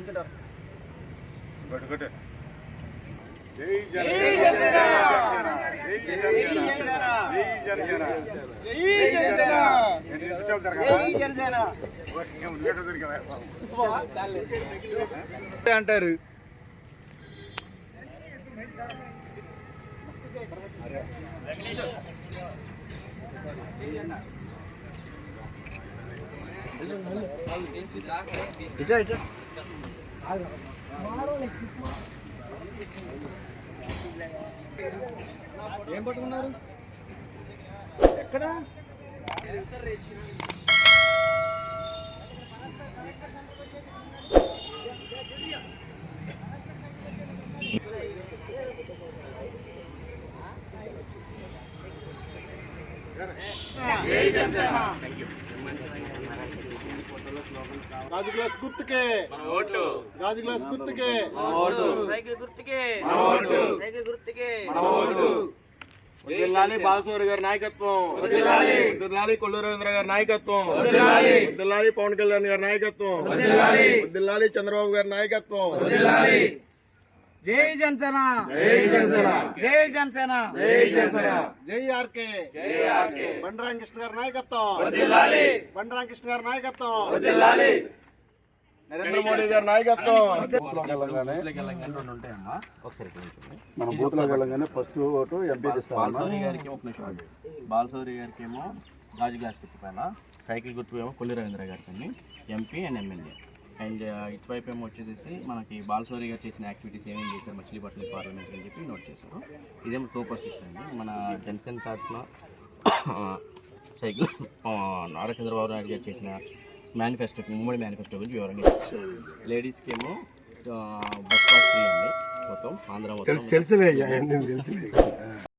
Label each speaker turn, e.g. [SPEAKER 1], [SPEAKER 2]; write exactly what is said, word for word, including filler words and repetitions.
[SPEAKER 1] అంటారు. ఇట్లా ఇట్లా ఏం పట్టుకున్నారు ఎక్కడ?
[SPEAKER 2] గాజు గ్లాస్ గుర్తుకే ఓట్లు, గాజు గ్లాస్ గుర్తుకే
[SPEAKER 1] ఓటు,
[SPEAKER 3] సైకిల్ గుర్తుకే
[SPEAKER 1] ఓటు,
[SPEAKER 3] సైకిల్ గుర్తుకే
[SPEAKER 1] ఓటు.
[SPEAKER 2] వర్ధిల్లాలి బాలసూరి గారి నాయకత్వం, వర్ధిల్లాలి కొల్లు రవీంద్ర గారి నాయకత్వం, వర్ధిల్లాలి పవన్ కళ్యాణ్ గారి నాయకత్వం, వర్ధిల్లాలి చంద్రబాబు గారి నాయకత్వం.
[SPEAKER 3] జై జనసేన,
[SPEAKER 2] జై జనసేన,
[SPEAKER 3] జై జనసేన,
[SPEAKER 2] జై జనసేన, జై ఆర్కే, జై ఆర్కే. బండి కృష్ణ గారి నాయకత్వం, బండి కృష్ణ గారి నాయకత్వం, నరేంద్ర మోడీ గారి నాయకత్వం. మన బూత్ లో వెళ్ళగానే ఫస్ట్ ఓటు ఎంపీ
[SPEAKER 4] బాలసౌరి గారికి ఒక నిమిషం. బాలసౌరి గారికి ఏమో గాజు గ్లాస్ గుర్తు పైన, సైకిల్ గుర్తు ఏమో కొల్లి రవీంద్ర గారికి ఎంపీ అండ్ ఎమ్మెల్యే. అండ్ ఇటువైపు ఏమో వచ్చేసి మనకి బాలసౌరి గారు చేసిన యాక్టివిటీస్ ఏమేమి చేశారు మచిలీపట్నం పార్లమెంట్ అని చెప్పి నోట్ చేశారు. ఇదేమో సూపర్ సిక్స్ అండి. మన జనసేన తరఫున సైకిల్ నారా చంద్రబాబు నాయుడు గారు చేసిన మేనిఫెస్టో, ఉమ్మడి మేనిఫెస్టో గురించి వివరంగా లేడీస్కి ఏమో బస్ పాస్ ఫ్రీ అండి మొత్తం ఆంధ్ర మొత్తం.